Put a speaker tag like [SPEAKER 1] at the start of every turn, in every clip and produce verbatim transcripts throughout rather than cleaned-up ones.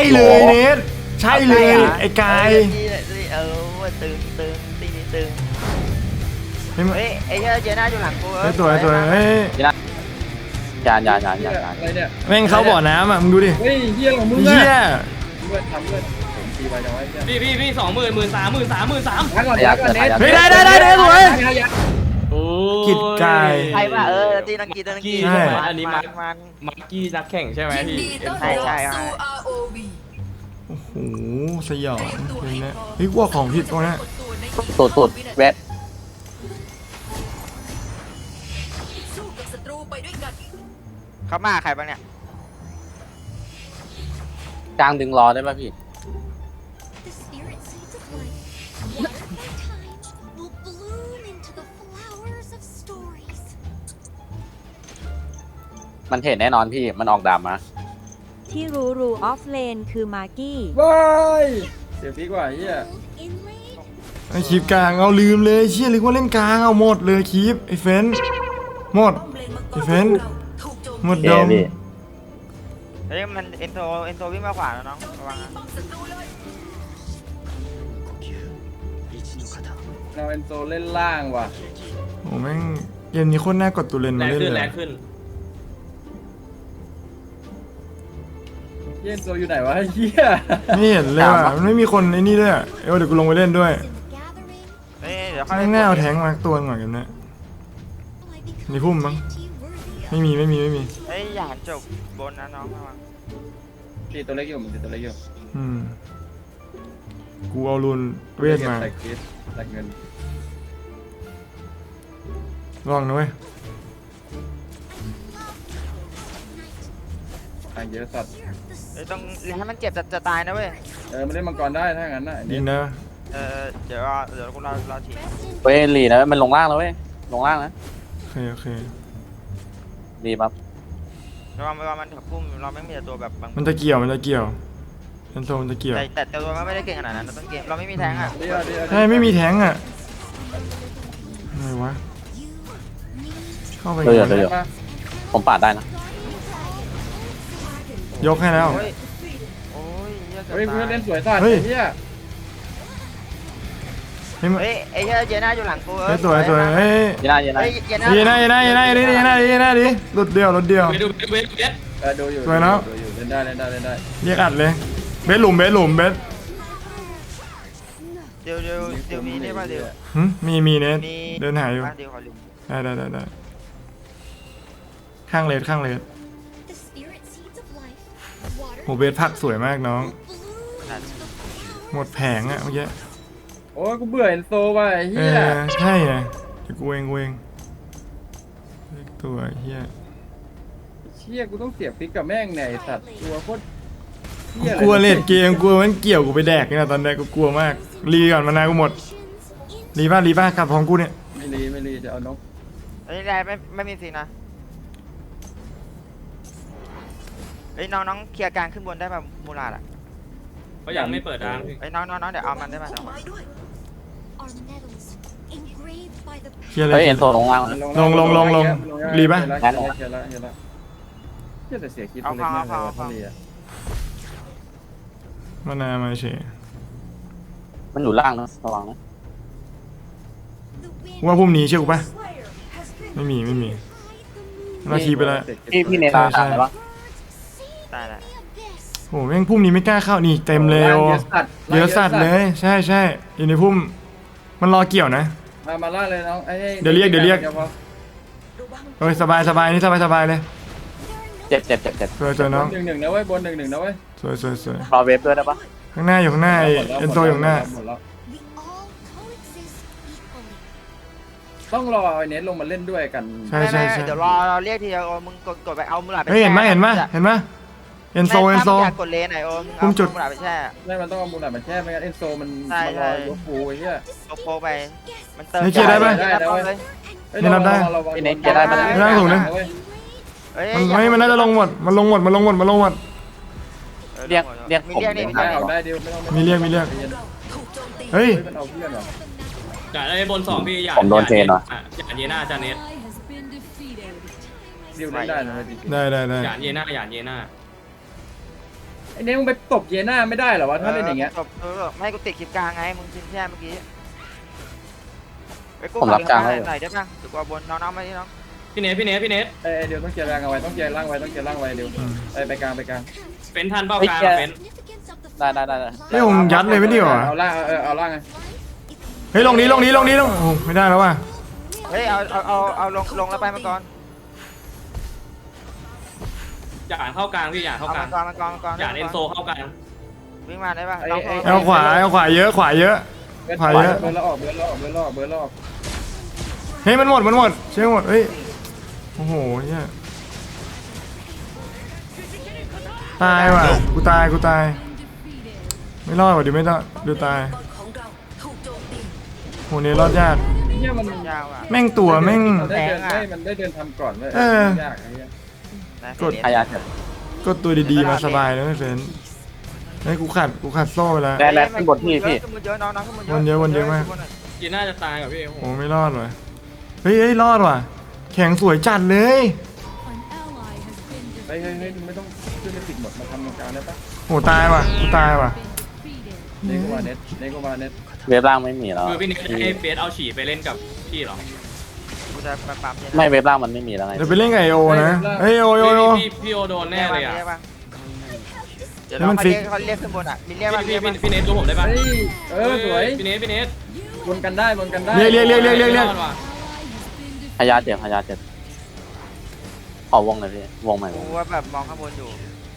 [SPEAKER 1] เลยเนทใช่เลยไอ้กาย
[SPEAKER 2] เออตึงตึงตีนี้ตึง
[SPEAKER 1] เฮ้ย
[SPEAKER 2] เฮ้ยไอ้เหี้ยเจน่าอยู่หลังกู
[SPEAKER 1] ไอ้ตัวไอ้ตัวเฮ้ย
[SPEAKER 3] ยานยานยานยาน
[SPEAKER 4] อะไรเนี่ย
[SPEAKER 1] แม่งเขาบ่อน้ำอ่ะมึงดูดิ
[SPEAKER 4] เฮ้ยเฮียของมึง
[SPEAKER 1] เฮีย
[SPEAKER 4] เพื่อนทำเพื่อนผมตีไปจังไว้เฮีย
[SPEAKER 5] พี่พี่พี่สองหมื่นหมื่นสามหมื่นสามหมื่นสาม
[SPEAKER 4] พักก่อนพักก่อนเน็ต
[SPEAKER 1] เฮ้ยได้ได้ได้ได้สวย
[SPEAKER 5] โอ้
[SPEAKER 1] กิดกาย
[SPEAKER 2] ใครว่าเออตีนังกีตีนังกี
[SPEAKER 1] ใช่
[SPEAKER 5] อันนี้มา
[SPEAKER 2] มัน
[SPEAKER 5] มักกี้นักแข่งใช่ไหมพี่
[SPEAKER 2] ใช่ใช่ใช่
[SPEAKER 1] โอ้โหสยองเลยนะเฮ้ยว่าของผิดตรงนี้
[SPEAKER 3] ตูดตูดเวท
[SPEAKER 2] เขามาใครบ้างเนี่ย
[SPEAKER 3] กลางดึงรอได้ป่ะพี่มันเห็นแน่นอนพี่มันออกดาบมา
[SPEAKER 6] ที่รู้รู้ออฟเลนคือมาร์กี้
[SPEAKER 4] ว้ายเสียพีกว่าเฮีย
[SPEAKER 1] ไอ้คลิปกลางเอาลืมเลยเชี่ยนึกว่าเล่นกลางเอาหมดเลยคลิปไอ้เฟนหมดไอ้เฟนหมดดม
[SPEAKER 2] เฮ้ยมันเอ็นโทเอ็นโทวิ่งมาขวาแล้วน้องระวังนะ
[SPEAKER 4] เราเอ็นโซเล่นล่างว่ะ
[SPEAKER 1] โอ้แม่งเกมนี้โคตรน่ากดตัวเลน
[SPEAKER 5] แร
[SPEAKER 1] มาง เล่น
[SPEAKER 5] ขึ้น
[SPEAKER 1] เล
[SPEAKER 5] แร
[SPEAKER 1] ย
[SPEAKER 5] งขึ้น
[SPEAKER 4] เฮียเอ็นโซอยู่ไหนวะเฮีย
[SPEAKER 1] ไม่เห็นเลยว่ะมันไม่มีคนไอ้นี่ด้วยเออเดี๋ยวกูลงไปเล่นด้วย
[SPEAKER 2] เฮ้ยเดี๋ยวเขา
[SPEAKER 1] แม่งแน่เอาแทงมาตัวหน่อยกันนะในพุ่มมั้งไม่มีไม่มีไม่มี
[SPEAKER 2] เฮ้ยอย่าหันจบบนนะน้องระวัง
[SPEAKER 4] ตีตัวเล็กอยู่มันตีตัวเล็กอยู่
[SPEAKER 1] อืมกูเอารุนเวทมา
[SPEAKER 4] ใส่คริสใส่เงิน
[SPEAKER 1] ลองนะเว้ย
[SPEAKER 4] ทางเยอะสัตว์
[SPEAKER 2] เฮ้ยต้องให้มันเจ็บจะจะตายนะเว้ย
[SPEAKER 4] เออมันเล่นมังกรได้ถ้างั้นน่ะ
[SPEAKER 1] ยิงนะ
[SPEAKER 2] เออเดี๋ยวรอเดี๋ยวกูรอรอฉีด
[SPEAKER 3] เว้ยลีนะมันลงล่างแล้วเว้ยลงล่างนะ
[SPEAKER 1] โอเคโอเค
[SPEAKER 3] ดีปั๊บ
[SPEAKER 2] ระวังระวังมันถับพุ่มเราไม่มีแต่ตัวแบบบาง
[SPEAKER 1] มันจะเกี่ยวมันจะเกี่ยวเอ็นโซมันจะเกี่ยว
[SPEAKER 2] แต่แต่ตัวมันไม่ได้เก่งขนาดนั้นเราต้องเกมเราไม่มีแทงอ่ะ
[SPEAKER 4] เดี๋ยวเดี๋ยว
[SPEAKER 1] ใช่ไม่มีแทงอ่ะอะไรวะเข้าไป
[SPEAKER 3] เดี๋ยวเดี๋ยวเดี๋ยวผมปาดได้นะ
[SPEAKER 1] ยกให้แล้ว
[SPEAKER 2] โอ้ยโอ้ยเหี้ย
[SPEAKER 4] เฮ้ย
[SPEAKER 2] เกื
[SPEAKER 4] เพื่
[SPEAKER 2] อ
[SPEAKER 4] อน
[SPEAKER 2] บ
[SPEAKER 4] เล่
[SPEAKER 2] ตาย
[SPEAKER 4] นสวยสัตว์
[SPEAKER 1] เฮ้ย
[SPEAKER 4] เฮีย
[SPEAKER 1] เฮ้ยมัน
[SPEAKER 2] เฮ้ยไอ้เหี้ยเจน่าอยู่หลังกู
[SPEAKER 1] เฮ้ยตัวตัวเฮ้ย
[SPEAKER 3] ยีน่ายีน่า
[SPEAKER 2] เฮ้ยเจน่า
[SPEAKER 1] ยีน่ายีน่ายีน่ายีน่ายีน่ายีน่าดิรถเดียวรถเดียว
[SPEAKER 5] ไปดูเวทเวท
[SPEAKER 4] เออดูอยู่
[SPEAKER 1] สวยเนอะ
[SPEAKER 4] ดูอยู่เล่นได้เล่นได้เล่นได้
[SPEAKER 1] เรียกอัดเลยเบสหลุมเบสหลุมเบส
[SPEAKER 2] เดี๋ยวเดี๋ยวเดี๋ยวมีนี่ป่ะเดี๋ยว
[SPEAKER 1] หึมีมีเนท
[SPEAKER 2] มี
[SPEAKER 1] เดินหายอยู่
[SPEAKER 2] เดี๋ยวขอลืม
[SPEAKER 1] ได้ได้ได้ได้ข้างเลสข้างเลสโหเบสพักสวยมากน้องหมดแผงอะเมื่อกี้
[SPEAKER 4] โอ้ยกูเบื่อเอ็นโซว่ะไอ้
[SPEAKER 1] เอ
[SPEAKER 4] เฮีย
[SPEAKER 1] อใช่ไงเดี๋ยวกูเองกูเองเล็กตัวเฮีย
[SPEAKER 4] เชี่ยกูต้องเสียฟิกกับแม่งเนี่ยไอ้สัตว์ตัวโคตร
[SPEAKER 1] กู
[SPEAKER 4] เหี้ย
[SPEAKER 1] กลัวเลดเกมกลัวมันเกี่ยวกูไปแดกนี่นะตอนนี้กูกลัวมากรีก่อนมานากูหมดรีบ้ารีบ้ากลับของกูเนี่ย
[SPEAKER 4] ไม่รีไม่รีจะเอานก
[SPEAKER 2] เฮ้ยได้ไม่ไม่มีสินะเฮ้ยน้องน้องเคลียร์กลางขึ้นบนได้ป่ะมูลาดอ่ะ
[SPEAKER 5] เขายังไม่เปิดร้านพี่
[SPEAKER 2] เฮ้ยน้องน้องน้องเดี๋ยวเอามันได้ป่ะน้อง
[SPEAKER 1] เคลียร์เล
[SPEAKER 3] เฮ้ย
[SPEAKER 1] ย
[SPEAKER 3] เอ็นโซลงล่าง
[SPEAKER 1] ลงลงลงลงรีปะ
[SPEAKER 4] เฮียละเฮียละเฮียละเฮียแต่เสียคิดตัวเล็กมากเลยว่ะถ้ารีอะ
[SPEAKER 1] มานามาเฉย
[SPEAKER 3] มันอยู่ล่างนะระวังนะ
[SPEAKER 1] ว่าพุ่มนี้เชื่อกูปะไม่มีไม่มีเราคีไปแล้ว
[SPEAKER 3] พี่พี่เนตาตายปะ
[SPEAKER 2] ได้ได้
[SPEAKER 1] โอ้แม่งพุ่มนี้ไม่กล้าเข้านี่เต็มเลย
[SPEAKER 4] เย
[SPEAKER 1] โอ
[SPEAKER 4] อะสัตว์
[SPEAKER 1] เยอะสัตว์เลยใช่ใช่อยู่ในพุ่มมันรอเกี่ยวนะ
[SPEAKER 4] มามาล่าเลยน้องไอ้
[SPEAKER 1] เดี๋ยวเรียกเดี๋ยวเรียก
[SPEAKER 4] พอ
[SPEAKER 1] โอ้ยสบายสบายนี่สบายสบายเลย
[SPEAKER 3] เจ็บเจ็บเจ็บเจ็บ
[SPEAKER 1] สวยสวยน้อง
[SPEAKER 4] หนึ่งหนึ่งนะเว้ยบนหนึ่งหนึ่งนะเว้ย
[SPEAKER 1] สวยสวยสวย
[SPEAKER 3] รอเวฟด้วยได้ปะ
[SPEAKER 1] ข้างหน้าอยู่ข้างหน้าไอ้เอ็นโซอยู่ข้างหน้า
[SPEAKER 4] หมดแล้วต้องรอไอ้เน็ตลงมาเล่นด้วยกัน
[SPEAKER 1] ใช่
[SPEAKER 2] ไม่
[SPEAKER 1] ใช่
[SPEAKER 2] ไม่
[SPEAKER 1] ใช่
[SPEAKER 2] เดี๋ยวรอเราเรียกทีเดียวโอ้มึงกดกดไปเอามูลาดไป
[SPEAKER 1] เฮ้ยเห็นไหม
[SPEAKER 2] แช่
[SPEAKER 1] เห็นไหมเห็นไหมเอ็นโซเอ็นโซ
[SPEAKER 2] ถ้ามึงอยากกดเลนไหนโอ้มึง
[SPEAKER 1] พุ่
[SPEAKER 2] เอา
[SPEAKER 1] มจุด
[SPEAKER 2] มูลาดไปแช่
[SPEAKER 4] ไม่มันต้องเอามูลหน่อยมันแช่ไม่งั้นเอ็นโซมัน
[SPEAKER 2] ใช่
[SPEAKER 4] มันร
[SPEAKER 2] ใช่
[SPEAKER 4] อยกฟูไอ้เหี้ย
[SPEAKER 2] โปโปไปมันเติม
[SPEAKER 1] นี่เคลียร์ได้ปะ
[SPEAKER 2] ได้ได้เลย
[SPEAKER 4] เฮ้ย
[SPEAKER 1] ไม่รับได้
[SPEAKER 4] ระวัง
[SPEAKER 3] พี่เนตเกียร์ได้ปะ
[SPEAKER 1] ไม่ได้ถูกนะ
[SPEAKER 4] เว้ย
[SPEAKER 2] เฮ้ย
[SPEAKER 1] มันไม่มันน่าจะลงหมดมันลงหมดมันลงหมดมันลงหมด
[SPEAKER 3] เรียกเรียก
[SPEAKER 2] มี
[SPEAKER 3] ผม
[SPEAKER 2] เรียกนี่มี
[SPEAKER 4] ได้
[SPEAKER 2] เรียก
[SPEAKER 4] เอา
[SPEAKER 2] นี่
[SPEAKER 4] ได้เดียวไม่ต้อง
[SPEAKER 1] มีเรียกมีเรียก
[SPEAKER 4] เฮ้ย
[SPEAKER 1] เฮ้ย
[SPEAKER 4] มันเอาเพื่อนเหรอ
[SPEAKER 5] อย่าได้บนสองพี่อย่า
[SPEAKER 3] ผมโดนเทรนเหรอ
[SPEAKER 5] อย่าเยน่าจาเนส
[SPEAKER 4] ดิวเล่นได้นะจริง
[SPEAKER 1] ได้ได้ได้
[SPEAKER 5] อย่าเยน่าอย่าเยน่า
[SPEAKER 4] ๆไอ้อ้เนี่ยมึงไปตบเยน่าไม่ได้เหรอวะถ้าเล่นอย่างเงี้ย
[SPEAKER 2] จบเออไม่กูติดคลิปกลางไงมึงชินแช่เมื่อกี้ไปกู
[SPEAKER 3] ผมรับกลาง
[SPEAKER 2] ห
[SPEAKER 3] ให้
[SPEAKER 2] น่อยได้ป่ะเดี๋ยวกูเอาบนน้องๆมาที่น้อง
[SPEAKER 5] พี่เนทพี่เนทพี่เนท
[SPEAKER 4] เอ้ยเดี๋ยวต้องเกียร์ร่างเอาไว้ต้องเกียร์ร่างไว้ต้องเกียร์ร่างไว้เดี๋ยว
[SPEAKER 1] อืม
[SPEAKER 4] ไปไปกลางไปกลาง
[SPEAKER 5] เป็นทันเป้ากลางอะเป็น
[SPEAKER 3] ได้ได้ได้ได้
[SPEAKER 1] เฮ้ยผมยัดเลยไม่ดีกว่า
[SPEAKER 4] เอาล่างเออเอาล่างไง
[SPEAKER 1] เฮ้ยลงนี้ลงนี้ลงนี้ลงโอ้ไม่ได้แล้วว่ะ
[SPEAKER 2] เฮ้ยเอาเอาเอาเอาลงลงแล้วไปมาก่อน
[SPEAKER 5] หยาดเข้ากลางพี่หยาดเข้า
[SPEAKER 2] เอา
[SPEAKER 5] กลา
[SPEAKER 2] มาง ก่อนมาก่อนมาก่อน
[SPEAKER 5] หยาดเอนโซเข้ากลาง
[SPEAKER 2] วิ่งมาได้ป่ะน้องโทร
[SPEAKER 1] เอาขวาเอาขวาเยอะขวาเยอะ
[SPEAKER 4] เบิร์ด
[SPEAKER 1] ผ่านเยอะ
[SPEAKER 4] เบิร์ดแล้วออกเบิร์ดแล้วออกเบิร์ดแล้วออกเบิร์ดแล้วออก
[SPEAKER 1] เฮ้ยมันหมดมันหมดใช่หมดเฮ้ยโอ้โหเนี่ยตายว่ะกูตายกูตายไม่รอดว่ะดิไม่รอดดูตายโหเนี่ยรอดยาก
[SPEAKER 4] เนี่ยมัน
[SPEAKER 2] ยาวอ่ะ
[SPEAKER 1] แม่งตัวแม่ง
[SPEAKER 4] มันได้เดินได้มันได้เดินทำก่อนเลย
[SPEAKER 1] เออ
[SPEAKER 4] ยากไอ้เนี่ย
[SPEAKER 2] นะ
[SPEAKER 1] กด
[SPEAKER 3] พยาเจ็บ
[SPEAKER 1] ก็ตัวดีๆมาสบายแล้วไม่เฟนไอ้ยกูขัดกูขัดโซ่ไปแล้ว
[SPEAKER 3] ได้แล้วขึ้นบนพี่พี่
[SPEAKER 2] ขึ้นบนเยอะน้องน้องขึ้นบนเยอะ
[SPEAKER 1] วนเยอะวนเยอะมาก
[SPEAKER 5] ยีน่าจะตายกับพี่โอ้โห
[SPEAKER 1] โอ้ไม่รอดว่ะเฮ้ยเฮ้ยรอดว่ะแข็งสวยจัดเลย
[SPEAKER 4] เฮ้ยเฮ้ยเฮ้ยมึงไม่ต้องขึ้นไปติดหมดมาทำตรงกลางได้ปะ
[SPEAKER 1] โหตายว่ะกูตายว่ะ
[SPEAKER 4] เนโกมาเน็ตเนโกมาเน็ต
[SPEAKER 3] เวฟล่างไม่มีแล้ว
[SPEAKER 5] คือพี่เนทให้เบสเอาฉี่ไปเล่นกับพี่เหรอ
[SPEAKER 2] กูจะปั๊มปั๊มเนี่ย
[SPEAKER 3] ไม่เวฟล่างมันไม่มีแล้วไง
[SPEAKER 1] เดี๋ยวไปเล่นกับไอโอนะเฮ้ยโอโอโอ
[SPEAKER 5] พี่พี่พี่โอโดนแน่เลยอ่ะ
[SPEAKER 2] รีกป่เดี๋ยว
[SPEAKER 1] ให้
[SPEAKER 2] น้
[SPEAKER 1] มั
[SPEAKER 2] อง
[SPEAKER 1] น
[SPEAKER 2] เขา
[SPEAKER 1] ฟิก
[SPEAKER 2] เรียกเขาเรียกขึ้นบนอ่ะมีเรียกป่ะ
[SPEAKER 5] พี่
[SPEAKER 2] เรียก
[SPEAKER 5] พี่
[SPEAKER 2] ป่ะ
[SPEAKER 5] พี่เนทดูผมได้ปะ
[SPEAKER 4] เฮ้ยเออสวย
[SPEAKER 5] พี่เนทพี่เนท
[SPEAKER 4] วนกันได้วนกันได้
[SPEAKER 1] เรียกเรียกเรียกเรียกเรียกเรียก
[SPEAKER 5] รอดว่ะ
[SPEAKER 3] พยาเจ็บพยาเจ็บขอวงเลยพี่วงใหม่
[SPEAKER 2] กูว่าแบบมองข้างบนอยู่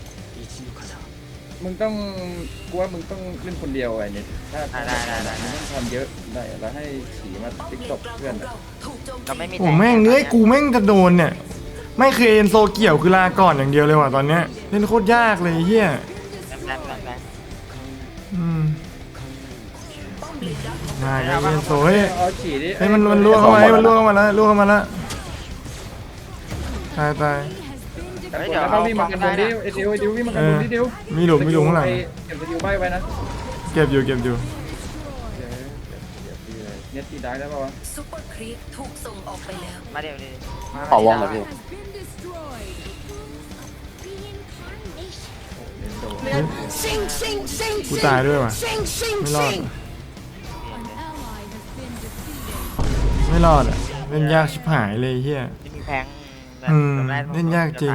[SPEAKER 4] มึงต้องกูว่ามึงต้องเล่นคนเดียวไอ้เน็ตถ้า
[SPEAKER 2] ได้ได้ได้ได้
[SPEAKER 4] มึงต้องทำเยอะได้แล้วให้ฉีมาติ๊กตบเพื่อนอะ
[SPEAKER 2] เราไม่มี
[SPEAKER 1] โอ้แม่งเนื้อยกูแม่งจะโดนเนี่ยไม่เคยเอ็นโซเกี่ยวคือลาก่อนอย่างเดียวเลยว่ะตอนเนี้ยเล่นโคตรยากเลยเฮีย
[SPEAKER 2] แรงแรงแรง
[SPEAKER 1] อืมง่ายเลยเอ็นโซเฮ้ย
[SPEAKER 4] เอาฉีดิ
[SPEAKER 1] เฮ้ยมันมันล่วงเข้ามาเฮ้ยมันล่วงเข้ามาแล้วล่วงเข้ามาแล้วตายตาย
[SPEAKER 4] แต่คนแล้วก็วิ่งมากันบนดิไอ้ดิวไอ้ดิววิ่งมากันบนดิดิว
[SPEAKER 1] มีหลุมมีหลุมข้างหลัง
[SPEAKER 4] เก็บสกิลใบไว้นะ
[SPEAKER 1] เก็บอยู่เก็บอยู่
[SPEAKER 4] เน็ตตีได้ได้ป่าวะ
[SPEAKER 7] ซุปเปอร์ครีปถูกส่งออกไปแล้ว
[SPEAKER 2] มาเดี๋ยวดิ
[SPEAKER 3] ขอวงเลยพี่
[SPEAKER 1] กูตายด้วยว่ะไม่รอดไม่รอดอ่ะเล่นยากชิบหายเลยเฮีย
[SPEAKER 2] ที่มีแพง
[SPEAKER 1] อืมเล่นยากจริง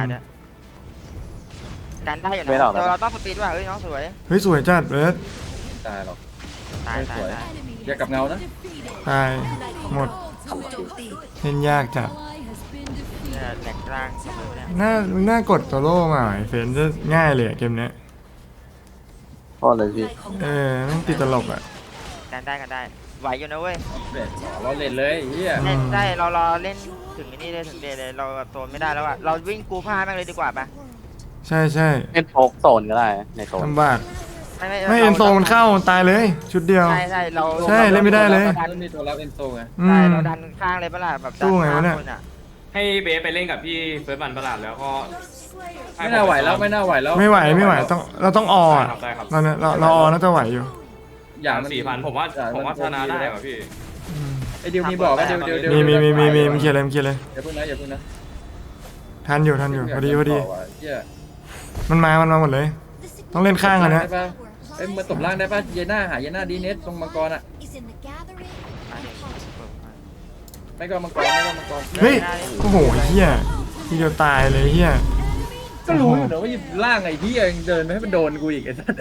[SPEAKER 2] การได้อยู่นะเราเราต้องสปีดว่ะเฮ้ยน้องสวย
[SPEAKER 1] เฮ้ยสวยจัดเบิร์ด
[SPEAKER 4] ตายหรอก
[SPEAKER 2] ตายตายตาย
[SPEAKER 4] อย่ากับเงานะ
[SPEAKER 1] ตายหมด
[SPEAKER 7] ถูกโจมตี
[SPEAKER 1] เล่นยากจัด
[SPEAKER 2] เนี่ยแหลกกลางเสมอเนี่ย
[SPEAKER 1] น่ามึงน่ากดตัวโล่มาไอ้เฟนจะง่ายเลยอะเกมเนี้ย
[SPEAKER 3] โทษเลยพี่
[SPEAKER 1] เออแม่งติดตลกอ่ะ
[SPEAKER 2] การได้กันได้ไหวอยู่นะเว้ย
[SPEAKER 4] เด็ดเราเล่นเลยเฮีย
[SPEAKER 2] เล่นได้เรารอเล่นถึงนี่เลยถึงเดย์เลยเราโซนไม่ได้แล้วอ่ะเราวิ่งกูผ้าแม่งเลยดีกว่าปะ
[SPEAKER 1] ใช่ใช่
[SPEAKER 3] เล่นโฟกโซนก็ได้ในโซน
[SPEAKER 1] ลำบาก
[SPEAKER 2] ไม่ไม่
[SPEAKER 1] ไม่เอ็นโซมันเข้าตายเลย ชุดเดียว
[SPEAKER 2] ใช่ใช่เรา
[SPEAKER 1] ใช่เล่นไม่ได้เลย
[SPEAKER 4] มันมีตัวรับเอนโซไง
[SPEAKER 1] อื
[SPEAKER 2] ใช่
[SPEAKER 1] ม
[SPEAKER 2] เราดันข้างเลยปะล่ะแบบ
[SPEAKER 1] สู้ไงวะเนี่ย
[SPEAKER 2] ดัข้าคอะ
[SPEAKER 5] ให้เบสไปเล่นกับพี่เฟิร์สบันประหลาดแล้วก็ให้
[SPEAKER 4] ไม่น่าไหวแล้วไม่น่าไหวแล้ว
[SPEAKER 1] ไม่ไหวไม่ไหวต้องเราต้องออ
[SPEAKER 5] ได้
[SPEAKER 1] อ่ะ
[SPEAKER 5] ครับได้ครับ
[SPEAKER 1] ตอนเนี้ยเราเราออน่าจะไหวอยู่
[SPEAKER 4] อย่า
[SPEAKER 5] สาม
[SPEAKER 4] มัน
[SPEAKER 5] สี่พันผมว่าผมว่าชนะได้ว่ะพี่
[SPEAKER 1] อืม
[SPEAKER 4] ไอ้ดิวมีบอกว่าดิวดิวดิว
[SPEAKER 1] มีมีมีมีมีมีเคลียร์เลยมีเคลียร์เลย
[SPEAKER 4] อย่าพึ่งนะอย่าพึ่งนะ
[SPEAKER 1] ทันอยู่ทันอยู่พอดีพอดี
[SPEAKER 4] เฮีย
[SPEAKER 1] มันมามันมาหมดเลย ต้องเล่นข้างกันนะ
[SPEAKER 4] ได้ปะเอ้ยมาตบล่างได้ป่ะเยน่าหาเยน่าดีเน็ตตรงมังกรอ่ะ
[SPEAKER 2] มาดิ
[SPEAKER 4] ไม่ก็มังกรไม่ก็มังกร
[SPEAKER 1] เฮ้ยโอ้โหเฮียทีเดียวตายเลยเฮีย
[SPEAKER 4] ก็รู้อยู่นะว่าล่างไอ้ที่ยังเดินไม่ให้มันโดนกูอีกไอ้สัส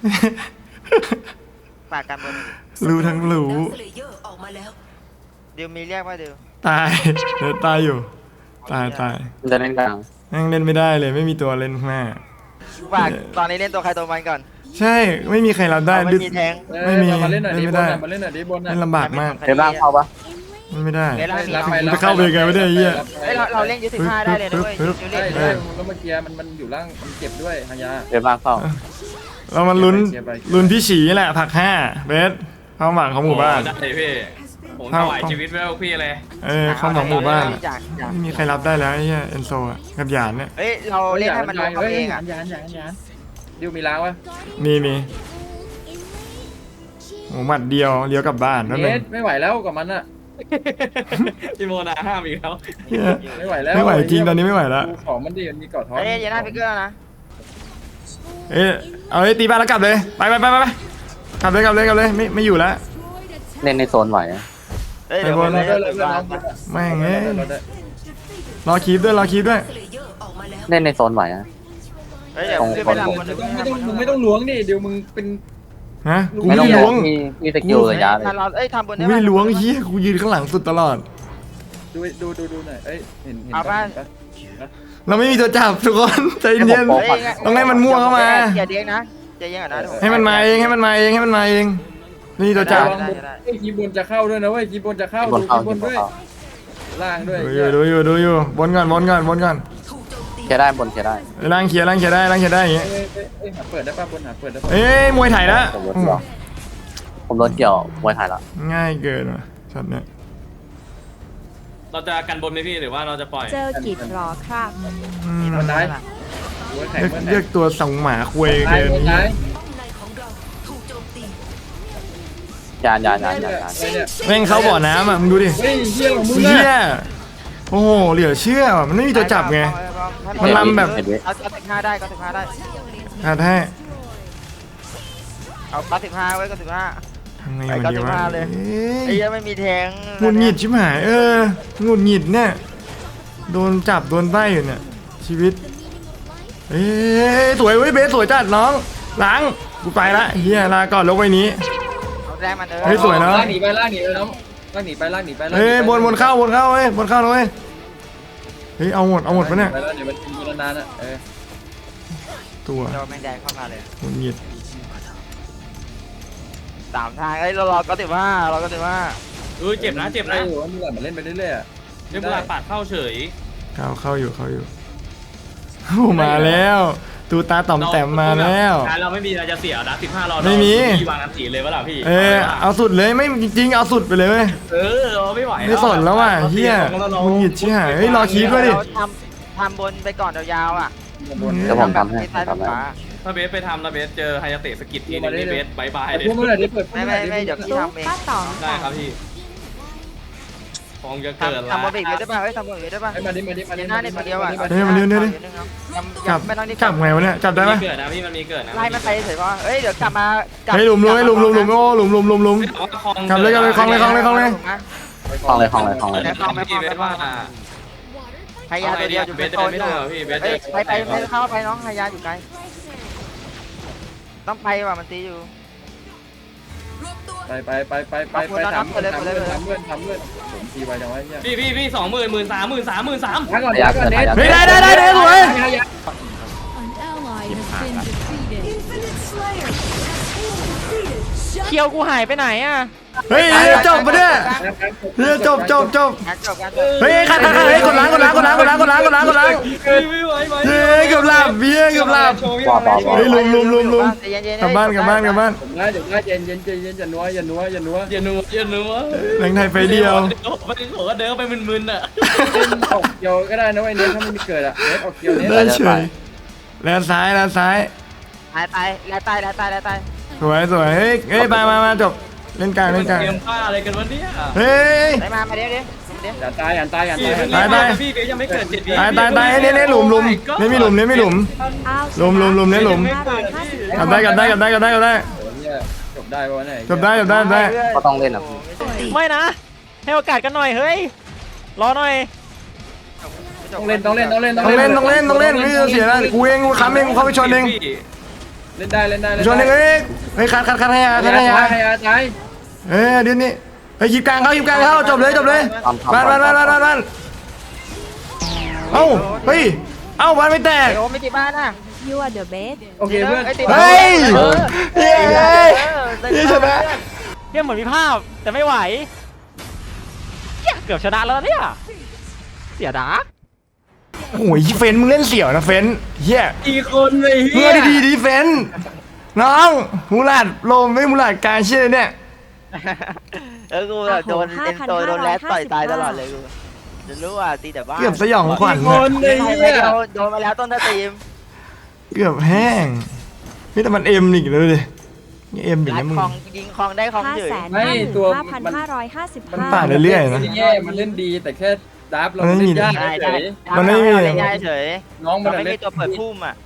[SPEAKER 2] ปากกันบน
[SPEAKER 1] รู้ทั้งรู้
[SPEAKER 7] สเลเยอร์ออกมาแล้ว
[SPEAKER 2] ดิวมีเรียกว่าดิว
[SPEAKER 1] ตายเดี๋ยวตายอยู่ ตายตาย
[SPEAKER 3] มันจะเล่นกลาง
[SPEAKER 1] แม่งเล่นไม่ได้เลยไม่มีตัวเล่นข้างหน้า
[SPEAKER 2] ปากตอนนี้เล่นตัวใครตัวมันก่อน
[SPEAKER 1] ใช่ไม่มีใครรับได้
[SPEAKER 2] ไม่
[SPEAKER 1] ดึก
[SPEAKER 2] มีแทง
[SPEAKER 1] ไม่มี
[SPEAKER 4] มาเล่นหน่อยดิ
[SPEAKER 1] เล่นไม่
[SPEAKER 4] บ
[SPEAKER 1] ได้
[SPEAKER 4] นมาเล่นหน่อยดิบน
[SPEAKER 1] เล่นลำบากมาก
[SPEAKER 3] เวฟล่างเข้าปะ
[SPEAKER 1] เล่นไม่ได้
[SPEAKER 2] เวลามี
[SPEAKER 4] รับไป
[SPEAKER 1] จะเข้าไปยังไงไม่ได้ไอ้เหี้ย
[SPEAKER 2] เฮ้ยเราเราเล่นยูสิบห้าได้เลยนะเว้ย
[SPEAKER 1] ปึ๊บ
[SPEAKER 2] ยู
[SPEAKER 4] ได้
[SPEAKER 2] เล่น
[SPEAKER 4] ได้แล้วเมื่อกี้มันมันอยู่ล่างมันเจ็บด้วยฮายา
[SPEAKER 3] เวฟล่างเข้า
[SPEAKER 1] เรามันลุ้น
[SPEAKER 4] เชียร์ไปเชียร์ไป
[SPEAKER 1] ลุ้นพี่ฉีแหละผักห้าเบสความหวังของหมู่บ้าน
[SPEAKER 5] ได้พี่ผมถวายชีวิตไว้กับพี่เลย
[SPEAKER 1] เออความหวังหมู่บ้าน
[SPEAKER 2] อยากอยาก
[SPEAKER 1] ไม่มีใครรับได้แล้วไอ้เหี้ยเอนโซอะกับหยานเนี่ย
[SPEAKER 2] เฮ้ยเราเล่นให้มันลงเขาเองอ่ะ
[SPEAKER 4] ยานยานยานดิวมีล้างวะ
[SPEAKER 1] มีมีโอ้หมัดเดียวเลี้ยวกลับบ้านนั่นเอ
[SPEAKER 4] เน็
[SPEAKER 1] ง
[SPEAKER 4] ตไม่ไหวแล้วกับมันอะ
[SPEAKER 5] พี่โมนาห้ามอีกแล้ว
[SPEAKER 1] เหี้ย
[SPEAKER 4] ไม่ไหวแล้ว
[SPEAKER 1] ไม่ไหวจริงตอนนี้ไม่ไหวแล้ว
[SPEAKER 4] ดูของมันดิมันมีเกาะท้อง
[SPEAKER 2] เฮ้ยเยน่าฟิกเกอร์นะ
[SPEAKER 1] เอ้ยเอาเลยตีบ้านแล้วกลับเลยไปไปไปไปไปกลับเลยกลับเลยกลับเลยไม่ไม่อยู่แล้ว
[SPEAKER 3] เล่นในโซนไหวอะ
[SPEAKER 2] เฮ้ยเดี๋ยว
[SPEAKER 1] ไปบน
[SPEAKER 2] ไป
[SPEAKER 4] เรา
[SPEAKER 2] เล่
[SPEAKER 4] ได้
[SPEAKER 2] น
[SPEAKER 4] เรา
[SPEAKER 2] ถึง
[SPEAKER 4] ได้
[SPEAKER 2] บ้าน
[SPEAKER 4] น้อง
[SPEAKER 1] แม่งเอ้ย
[SPEAKER 4] เราได้
[SPEAKER 1] รอคีบด้วยรอคีบด้วย
[SPEAKER 7] สเลเยอร์ออกมาแล้ว
[SPEAKER 3] เล่นในโซนไหวอะ
[SPEAKER 2] เฮ้ยเดี๋ยวขึ้นไปทำบน
[SPEAKER 4] ไม่ต้องมึงไม่ต้องล้วงดิเดี๋ยวมึงเป็น
[SPEAKER 1] ฮะกู
[SPEAKER 3] ไม่
[SPEAKER 1] ไม่
[SPEAKER 3] ต้อง
[SPEAKER 1] ได้
[SPEAKER 3] ล้ว
[SPEAKER 1] ล้ว
[SPEAKER 3] ง
[SPEAKER 1] ง
[SPEAKER 3] มีมีสกิลระยะเลย
[SPEAKER 2] ถ้าเราเอ้ยทำบน
[SPEAKER 1] กู
[SPEAKER 2] ได้
[SPEAKER 1] ไม่
[SPEAKER 2] ปะ
[SPEAKER 1] ได้ล้วงเฮียกูยืนข้างหลังสุดตลอด
[SPEAKER 4] ดูดูดูดูหน่อยเอ้ยเห็นเห็น
[SPEAKER 2] เอาป่ะ
[SPEAKER 1] เราไม่มีตัวจับทุกคนใจเย็น
[SPEAKER 2] เฮ้ย
[SPEAKER 1] ต้องให้มันมั่วเข้ามา
[SPEAKER 2] อย่าเลี้ยงนะอย่าเลี้ยงอ่ะนะ
[SPEAKER 1] ให้มันมาเองให้มันมาเองให้มันมาเองนี่ตัวจับ
[SPEAKER 4] ระวังบนเฮ้ยคีย์บนจะเข้าด้วยนะเว้ยคีย์บนจะเข้า
[SPEAKER 3] บน
[SPEAKER 4] ดู
[SPEAKER 3] เข้า
[SPEAKER 4] คีย์บบ น
[SPEAKER 3] น
[SPEAKER 4] ด้วย
[SPEAKER 3] เข้า
[SPEAKER 4] ล่างด้วย
[SPEAKER 1] ดูอยู่ดูอยู่ดูอยู่บนก่อนบนก่อนบนก่อน
[SPEAKER 7] ถูกโจมตี
[SPEAKER 3] เคลียร์ได้บนเคลียร์ได้
[SPEAKER 1] ล่างเขียร์ล่างเขียร์ได้ล่างเขียร์ได้อย่างเงี้ย
[SPEAKER 4] เอ้ยเอ้ยเอ้ยหาเปิดได้ป่ะบนหาเปิดได้ป่ะ
[SPEAKER 1] เอ้ยมวยไทยละ
[SPEAKER 3] ผมโดนเกี่ยวผมโดนเกี่ยวมวยไทยละ
[SPEAKER 1] ง่ายเกินว่ะช็อตเนี้ย
[SPEAKER 5] เราจะกันบนไหมพี่หรือว่าเราจะปล่อย
[SPEAKER 6] เจอกิจหรอครับ
[SPEAKER 1] อืม
[SPEAKER 4] มันได้หัวแข็ง
[SPEAKER 1] เรียก
[SPEAKER 4] มันแข็
[SPEAKER 1] เรีย
[SPEAKER 4] ง
[SPEAKER 1] กตัวสองหมาคุย
[SPEAKER 4] ตาย
[SPEAKER 1] เกิน
[SPEAKER 4] หมด
[SPEAKER 1] นี้
[SPEAKER 4] ตาย
[SPEAKER 7] ป้อมในของเราถูกโจมตี
[SPEAKER 3] ยานยานยานยานยาน
[SPEAKER 4] อะไรเนี่ย
[SPEAKER 1] แม่งเข้าบ่อน้ำอ่ะมึงดูดิ
[SPEAKER 4] เฮ้ยเฮียของมึง
[SPEAKER 1] เฮี
[SPEAKER 4] อะ
[SPEAKER 1] ยโอ้โหเหลือเชื่อว่ะมันไม่มีตัวจับไง มันลำแบบ
[SPEAKER 3] เห็นไหม
[SPEAKER 2] เอาเอาสิบห้าได้ก็สิบห้าได้
[SPEAKER 1] อาให้
[SPEAKER 2] เอาเก้าสิบห้าไว้เก้าสิบห้า
[SPEAKER 1] ทำไง
[SPEAKER 2] ไป
[SPEAKER 1] มัน
[SPEAKER 2] เก้า
[SPEAKER 1] ดี
[SPEAKER 2] สิบ
[SPEAKER 1] วะ
[SPEAKER 2] ห้าเลย
[SPEAKER 1] เอ้
[SPEAKER 2] ไอ้
[SPEAKER 1] ย
[SPEAKER 2] เหี้ยังไม่มีแทง
[SPEAKER 1] หงุดหงิดชิบหายเออหงุดหงิดเนี่ยโดนจับโดนใต้อยู่เนี่ยชีวิตเอ้ยสวยเว้ยเบสสวยจัดน้องหลังกูไปละเฮียลาก่อนลงไปนี้
[SPEAKER 2] เอาแรงมันเออ
[SPEAKER 1] เฮ้ยสวยนะ
[SPEAKER 4] ลากหนีไปลากหนีไปน้องลากหนีไปลากหนีไปลากหนีไป
[SPEAKER 1] เฮ้ยบนบนเข้าบนเข้าเว้ยบนเข้าเลยเว้ยเฮ้ยเอาหมดเอาหมดปะเนี่ย
[SPEAKER 4] ไปแล้วเดี๋ยวมันกินกูนานๆอ่ะเออ
[SPEAKER 1] ตัว
[SPEAKER 2] เดี๋ยวแมงแดงเข้ามาเลย
[SPEAKER 1] หงุดหงิด
[SPEAKER 2] สามทางเอ้ยเรารอเก้าสิบห้าเราเก้าสิบห้า
[SPEAKER 5] เออเจ็บนะเจ็บ
[SPEAKER 4] ไอ้
[SPEAKER 5] นะ
[SPEAKER 4] หัวมึงอะมันเล่นไปเรื่อยๆอะ
[SPEAKER 5] เรียบร้อยปาดเข้าเฉย
[SPEAKER 1] เข้าเข้าอยู่เข้าอยู่โอ้มาแล้วตูตาต่อมแต้มมาแล้ว
[SPEAKER 5] การเราไม่มีเราจะเสียนะสิบห้าเรา
[SPEAKER 1] ไม่มี
[SPEAKER 5] พี่วางอันตีเลยวะล่ะพี่
[SPEAKER 1] เออเอาสุดเลยไม่จริงๆเอาสุดไปเลยเว้ย
[SPEAKER 5] เออเราไม่ไหว
[SPEAKER 1] ไม่สนแล้วว่ะเฮียมึงหงิดชิบหายเฮ้ยรอคีบด้วยดิ
[SPEAKER 2] เราทำทำบนไปก่อนยาวๆอ่ะ
[SPEAKER 4] บน
[SPEAKER 3] เดี๋ยวผมทำให้
[SPEAKER 2] ซ้าย
[SPEAKER 3] ทำให้
[SPEAKER 2] ขวา
[SPEAKER 5] ถ้าเบสไปทำแล้วเบสเจอไฮยาเตะสกิดทีนึงนี่เบสบายบาย
[SPEAKER 4] ไอ้
[SPEAKER 5] เลย
[SPEAKER 4] พวกมึงอะเดี๋ยวเปิดพวก
[SPEAKER 2] ไม่
[SPEAKER 4] มึง
[SPEAKER 2] ไม่
[SPEAKER 4] อะเดี๋ยว
[SPEAKER 2] ไม่เดี๋ยวพี่
[SPEAKER 6] ตุ๊ก
[SPEAKER 2] ทำเอง
[SPEAKER 6] ป้าต๋อง
[SPEAKER 5] ได้ครับพี่คงจะเกิด
[SPEAKER 2] ทำทำบนอีกเลยได้ป่ะเฮ้ยทำบนอีกได้ป่ะ
[SPEAKER 4] ไอ้มาดิมาดิมาดิ
[SPEAKER 2] เดี๋ยวหน้าเนี่ยคนเดียวอ่ะ
[SPEAKER 1] เฮ้ยมันเดี๋ยวเดี๋ยวเดี๋ยว จับ
[SPEAKER 2] ไม่ต้องนี่
[SPEAKER 1] จับไงวะเนี่ยจับได้
[SPEAKER 5] มี
[SPEAKER 1] ปะ
[SPEAKER 5] เกิดนะพี่มันมีเกิดนะ
[SPEAKER 2] ไล่มันไปเฉยๆป่ะเฮ้ยเดี๋ยวกลับมา
[SPEAKER 1] เฮ้ยหลุมหลุมให้หลุมหลุมหลุมโอ้หลุมหลุมหลุมหลุม กลับเลยกลับเลยคลองเลยคลองเลยคลองเลย
[SPEAKER 3] คลองเลยคลองเลยคลองเลย
[SPEAKER 5] พี่เบสว่า
[SPEAKER 2] ไฮยาตัวเดียวอยู่
[SPEAKER 5] เบ
[SPEAKER 2] เป็
[SPEAKER 5] ส
[SPEAKER 2] น
[SPEAKER 5] เดิ
[SPEAKER 2] โซ
[SPEAKER 5] น
[SPEAKER 2] น
[SPEAKER 5] ไม่
[SPEAKER 2] อ
[SPEAKER 5] ได้
[SPEAKER 2] ยู่
[SPEAKER 5] หรอพี่เบส
[SPEAKER 2] เฮ้
[SPEAKER 5] เดิ
[SPEAKER 2] ย
[SPEAKER 5] น
[SPEAKER 2] ไปไปไปเข้าไปน้องไฮยาอยู่ไกลต้องไปว่ะมันตีอยู่
[SPEAKER 7] รวบตัว
[SPEAKER 4] ไปไปไปไปไปไปทำเพื่อนทำเพื่อนทำเพื่อนทำเพื่อนผมทีไปจังไว้เนี่ย
[SPEAKER 5] พี่พี่พี่สองหมื่นหมื่นสามหมื่นสามหมื่นสาม
[SPEAKER 4] พักก่อนพักก่อนเน็ต
[SPEAKER 1] เฮ้ยได้ได้ได้ได้สวย
[SPEAKER 2] เคียวกูหายไปไหนอ่ะ
[SPEAKER 1] เฮ้ยจบปะเนี่ยเฮ้ยจบจบจบ
[SPEAKER 2] การจบการจบ
[SPEAKER 1] เฮ้ยขัดขัดขัดเฮ้ยกดล้างกดล้างกดล้างกดล้างกดล้างกดล้างกดล้าง
[SPEAKER 5] ไม่ไหวไหว
[SPEAKER 1] เฮ้ยเกือบหลับเบี้ยเกือบหลับ
[SPEAKER 3] ปอปอปอ
[SPEAKER 1] เฮ้ยลุมลุมลุมลุม
[SPEAKER 2] ใจเย็นๆ
[SPEAKER 1] กลับบ้านกลับบ้านกลับบ้าน
[SPEAKER 4] ผมได้เดี๋ยวได้เย็นเย็นเย็นเย็นอย่านัวอย่านัวอย่านัว
[SPEAKER 5] อย่านัวอย่านัว
[SPEAKER 1] แรงไทยไฟเดียว
[SPEAKER 5] ไม่ได้บอกว่าเดินไปมึนๆอ่ะ
[SPEAKER 4] เล่นออกเกียวก็ได้นะไอ้เน็ตถ้าไม่มีเกิดอะเน็ตออกเกียวเน็ต
[SPEAKER 1] ได้เฉยแลนซ้ายแลนซ้าย
[SPEAKER 2] ตายตายแล้วตายแล้วตายแล้วตาย
[SPEAKER 1] สวยสวยเฮ้ยเฮ้ยมามามาจบเล่นกลางเล่นกลาง
[SPEAKER 5] เตรียมผ้าอะไรกันวะเนี่ย
[SPEAKER 1] เฮ้ย
[SPEAKER 2] ได้มามาเดี๋ยวเดี๋ยวเดี๋ยว
[SPEAKER 4] อย่าตายอย่าตายอย่า
[SPEAKER 5] พี่
[SPEAKER 4] ตาย
[SPEAKER 5] ตายพี่เบสยังไม่เกิดเจ็ดวิ
[SPEAKER 1] ตายตายตายเน้นเน้นหลุมหลุมเน้นมีหลุมเน้นมีหลุม
[SPEAKER 6] อ้าว
[SPEAKER 1] ลุมลุมลุมเนี่ยหลุม
[SPEAKER 6] ห้าร้อยห้าสิบ
[SPEAKER 1] กลับได้กลับได้กลับได้กลับได้กลับได้
[SPEAKER 4] โอ้เนี่ยจบได้ปะวะเนี่ย
[SPEAKER 1] จบได้จบได้จบได้
[SPEAKER 3] ก็ต้องเล่นอ่ะ
[SPEAKER 8] ไม่นะ ให้โอกาสกันหน่อยเฮ้ย รอหน่อย
[SPEAKER 4] ต้องเล่นต้องเล่นต้องเล่น
[SPEAKER 1] ต้องเล่นต้องเล่นต้องเล่นไม่ต้องเสียนะกูเองกูค้ำเองกูเข้าไปชนเอง
[SPEAKER 4] เล่นได้เล่นได้
[SPEAKER 1] ชนเองเอ้ยเฮ้ยคัดคัดคัดให้ยาคัดให้ยา
[SPEAKER 4] ให้ยาตาย
[SPEAKER 1] เอ้ยเดี๋ยวนี้เฮ้ยหยิบกลางเข้าหยิบกลางเข้าจบเลยจบเลย
[SPEAKER 3] ทำทำ
[SPEAKER 1] บ้านบ้านบ้านบ้านบ้านบ้านเอ้าเฮ้ยเอ้าบ้านไม่แตก
[SPEAKER 2] โอ้ไม่ตีบ้านนะ
[SPEAKER 6] ยูอาร์เดอะเบส
[SPEAKER 4] โอเคเพื่อน
[SPEAKER 1] เฮ้ยเย้เย้ชนะ
[SPEAKER 8] เกมเหมือนมีภาพ แต่ไม่ไหวเหี้ยเกือบชนะแล้วเนี่ย เสียดา
[SPEAKER 1] โอ้ยเฟนมึงเล่นเสี่ยวนะเฟนเฮีย
[SPEAKER 4] อีกคนเลย
[SPEAKER 1] เมื่อดีดีเฟนน้องมูลาดโลมไม่มูลาดการเชื่อเนี่ย
[SPEAKER 2] เออกูแบบโดนเอ็นโซโดนแรดต่อยตายตลอดเลยกูจะรู้ว่าตีแต่บ้าน
[SPEAKER 1] เกือบสยองขวัญ
[SPEAKER 4] ค
[SPEAKER 1] นะ
[SPEAKER 4] นเลย
[SPEAKER 2] ใคร
[SPEAKER 4] เนี่
[SPEAKER 2] ไม่
[SPEAKER 4] ย
[SPEAKER 2] โดนโดนมาแล้วต้นสตรีม
[SPEAKER 1] เกือบแห้งนี่แต่มันเอ็มอีกเลยดินี่เอ็มอีก
[SPEAKER 2] รัด
[SPEAKER 1] นะมึง
[SPEAKER 2] คองยิงคองได้คอง
[SPEAKER 6] ห้า
[SPEAKER 2] เฉย
[SPEAKER 6] แสนห้าหมื่นห้าพันห้าร้อยห้าสิบ
[SPEAKER 4] มัน
[SPEAKER 6] ห้า
[SPEAKER 1] ต่างเรื่อยๆนะ
[SPEAKER 4] ไม่ได้แย่มันเล่นดีแต่แค่ดับเรา
[SPEAKER 1] มันไม่
[SPEAKER 4] เล่
[SPEAKER 1] มี
[SPEAKER 4] นยาก
[SPEAKER 2] ได้
[SPEAKER 4] เฉ
[SPEAKER 2] ได้
[SPEAKER 4] ย
[SPEAKER 1] มันไม่มี
[SPEAKER 2] ได้เฉย
[SPEAKER 4] น้องมัน
[SPEAKER 2] ไม่
[SPEAKER 4] เล่
[SPEAKER 2] มี
[SPEAKER 4] น
[SPEAKER 2] ตัวเปิดพุ่มอ่ะ